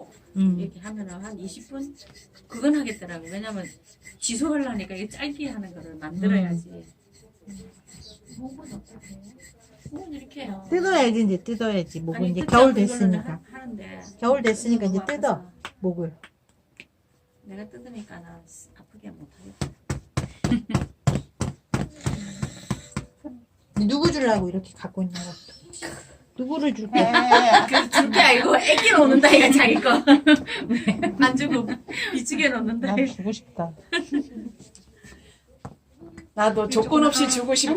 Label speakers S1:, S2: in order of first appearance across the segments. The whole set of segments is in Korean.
S1: 이렇게 하면은 한 20분 그건 하겠더라고. 왜냐면 지속하려니까 이게 짧게 하는 거를 만들어야지. 목은 어떻게 해요? 목은 이렇게 해요.
S2: 뜯어야지 이제 뜯어야지. 목은
S1: 아니,
S2: 이제
S1: 뜯자고
S2: 겨울
S1: 이거는
S2: 됐으니까.
S1: 하는데
S2: 겨울 됐으니까 이제
S1: 너무
S2: 뜯어
S1: 아파서
S2: 목을.
S1: 내가 뜯으니까 나 아프게 못하겠다.
S2: 누구 주려고 이렇게 갖고 있냐고. 누구를 줄게?
S1: 줄게 알고 애기 놓는다 이거 자기 거. 안 주고 이쪽에 놓는다.
S2: 난 주고 싶다.
S3: 나도 조건 없이 주고 싶고.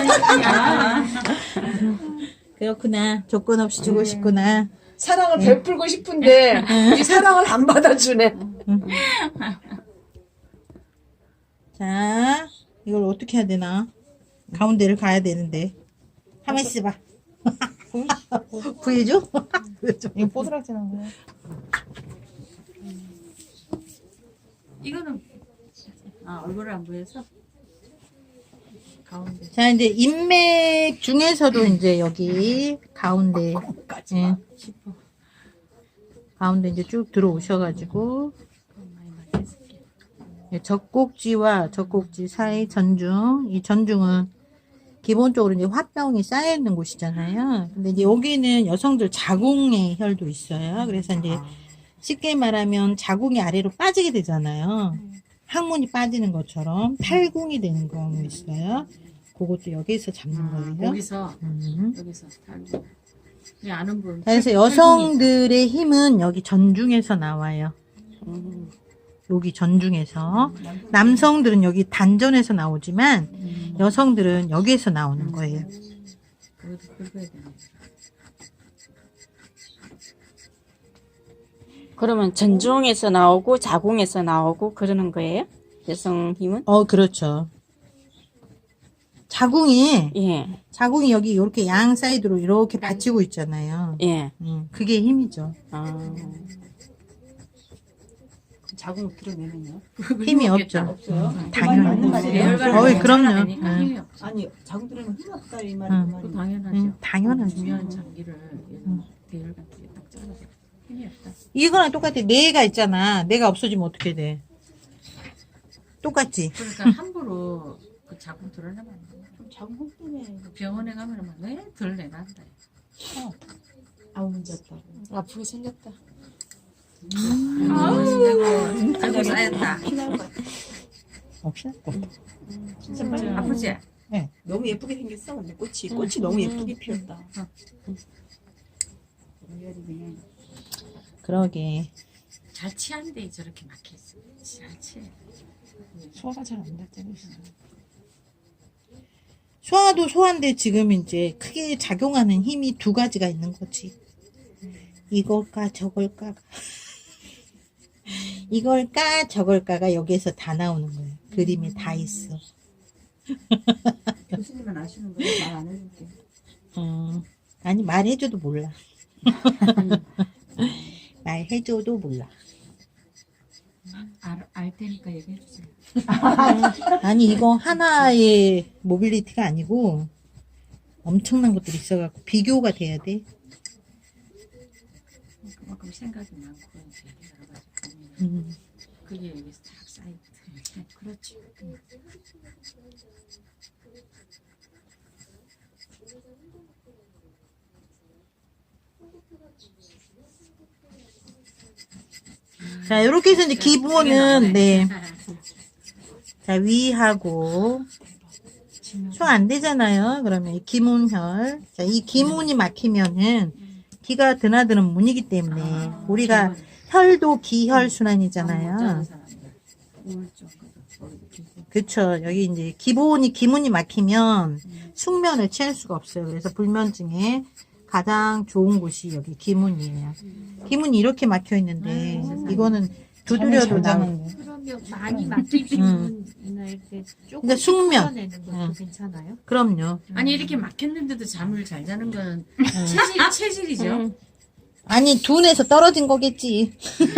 S2: 그렇구나. 조건 없이 주고 싶구나.
S3: 사랑을 베풀고 싶은데 이 사랑을 안 받아주네.
S2: 자, 이걸 어떻게 해야 되나? 가운데를 가야 되는데. 한번 있어봐. 구해줘? 구해줘.
S3: 이거 뽀드락지는 거야.
S1: 이거는 얼굴을 안 보여서 가운데.
S2: 자, 이제 인맥 중에서도 이제 여기 가운데, 예,
S1: 싶어.
S2: 가운데 이제 쭉 들어오셔가지고,
S1: 많이 맞겠을게.
S2: 예, 젖꼭지와 젖꼭지 사이 전중, 이 전중은 기본적으로 이제 화병이 쌓여있는 곳이잖아요. 근데 이제 여기는 여성들 자궁의 혈도 있어요. 그래서 이제 쉽게 말하면 자궁이 아래로 빠지게 되잖아요. 항문이 빠지는 것처럼 탈궁이 되는 경우 있어요. 그것도 여기서 잡는 거예요.
S1: 여기서 탈모. 이 아는 분.
S2: 그래서 여성들의 힘은 여기 전중에서 나와요. 여기 전중에서. 남성들은 여기 단전에서 나오지만 여성들은 여기에서 나오는 거예요.
S1: 그것도 긁어야 되네.
S4: 그러면 전중에서 나오고 자궁에서 나오고 그러는 거예요? 여성 힘은?
S2: 그렇죠. 자궁이 여기 이렇게 양 사이드로 이렇게 받치고 있잖아요.
S4: 예.
S2: 그게 힘이죠.
S3: 자궁 드러내면요?
S2: 힘이 없죠.
S3: 없어요?
S2: 당연히.
S1: 뇌혈관을
S2: 그럼요.
S1: 되니까 힘이 없어.
S3: 아니 자궁 들어면 힘 없다 이
S2: 응.
S3: 말이구만.
S1: 그 당연하죠.
S2: 당연하죠.
S1: 중요한 장기를 대혈관 쪽에 딱 잘라서 힘이 없다.
S2: 이거랑 똑같아. 뇌가 있잖아. 뇌가 없어지면 어떻게 돼? 똑같지?
S1: 그러니까 함부로 그 자궁 드러내면 안 돼.
S3: 자궁 때문에
S1: 병원에 가면 막 덜 내난다.
S3: 아무 문제 없다고.
S4: 아프게 생겼다.
S1: 아이고 쌓였다.
S2: 없어?
S1: 진짜 아프지?
S3: 너무 예쁘게 생겼어. 근데 꽃이 너무 예쁘게 피었다.
S2: 그러게.
S1: 잘 치한데 저렇게 막혀있어. 잘 치해.
S3: 소화가 잘 안 됐잖아.
S2: 소화도 소화인데 지금 이제 크게 작용하는 힘이 두 가지가 있는 거지. 이걸까 저걸까. 이걸까 저걸까가 여기에서 다 나오는 거예요. 그림에 다 있어.
S3: 교수님은 아시는 거예요? 말 안 해줄게.
S2: 아니 말해줘도 몰라. 말해줘도 몰라.
S1: 알 테니까 얘기해주세요.
S2: 아니 이거 하나의 모빌리티가 아니고 엄청난 것들이 있어갖고 비교가 돼야 돼.
S1: 그만큼 생각이 많고 이제 여러 가지 고민을 그게 여기서 딱 쌓이거든. 그렇지.
S2: 자 이렇게 해서 이제 기본은 자 위하고 소화 안 되잖아요. 그러면 이 기문혈. 자, 이 기문이 막히면은 기가 드나드는 문이기 때문에 우리가 혈도 기혈 순환이잖아요. 그쵸. 여기 이제 기문이 막히면 숙면을 취할 수가 없어요. 그래서 불면증에 가장 좋은 곳이 여기 기문이에요. 기문이 이렇게 막혀 있는데 이거는 두드려도 나오고.
S1: 그러면 많이 막히시면 이렇게 조금
S2: 근데 숙면.
S1: 풀어내는 것도 괜찮아요?
S2: 그럼요.
S1: 아니 이렇게 막혔는데도 잠을 잘 자는 건 체질이죠.
S2: 아니 둔에서 떨어진 거겠지.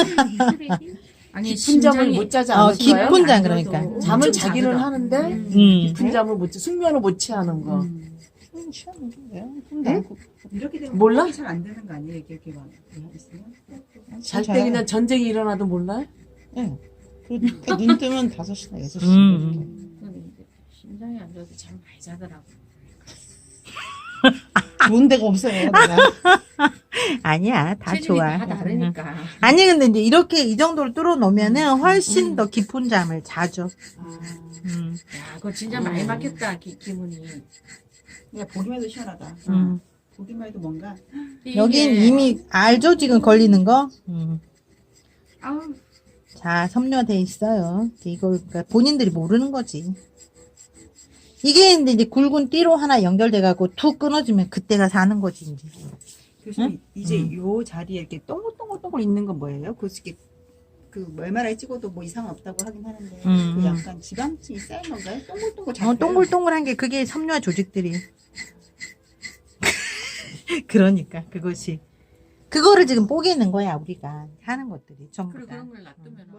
S1: 아니
S3: 깊은 잠을 못 자지 않으신가요?
S2: 깊은 잠 그러니까.
S3: 잠을 자기는 하는데
S2: 음.
S3: 깊은 잠을 못 자, 숙면을 못 취하는 거.
S5: 이렇게 되면
S3: 몰라?
S5: 잘 안 되는 거 아니에요? 이렇게 막 있으면?
S3: 잘 때 그냥 전쟁이 일어나도 몰라요?
S6: 네. 그러니까 눈 뜨면 5시나 6시
S1: 근데 이제 심장이 안 좋아서 잠 많이 자더라고.
S6: 좋은 데가 없어요. 내가.
S2: 아니야, 다
S1: 체중이
S2: 좋아.
S1: 다 다르니까.
S2: 아니 근데 이제 이렇게 이 정도로 뚫어 놓으면은 훨씬 더 깊은 잠을 자죠.
S1: 야, 그거 진짜 많이 막혔다, 기분이.
S5: 그냥 보기만 해도 시원하다. 보기만 해도 뭔가
S2: 여긴
S1: 이게-
S2: 이미 알죠 지금 걸리는 거.
S1: 아우,
S2: 자, 섬유돼 있어요. 이걸 그러니까 본인들이 모르는 거지. 이게 이제 굵은 띠로 하나 연결돼 갖고 툭 끊어지면 그때가 사는 거지 이제.
S5: 교수님 이제 요 자리에 이렇게 동글동글 있는 건 뭐예요? 그 MRI 찍어도 뭐 이상 없다고 하긴 하는데 그 약간 지방층이 쌓인 건가요? 동글동글 잡혀요.
S2: 동글동글한 게 그게 섬유화 조직들이. 그러니까 그것이 그거를 지금 뽀개는 거야 우리가 하는 것들이 전부
S1: 그리고
S2: 다.
S1: 그런 걸 놔두면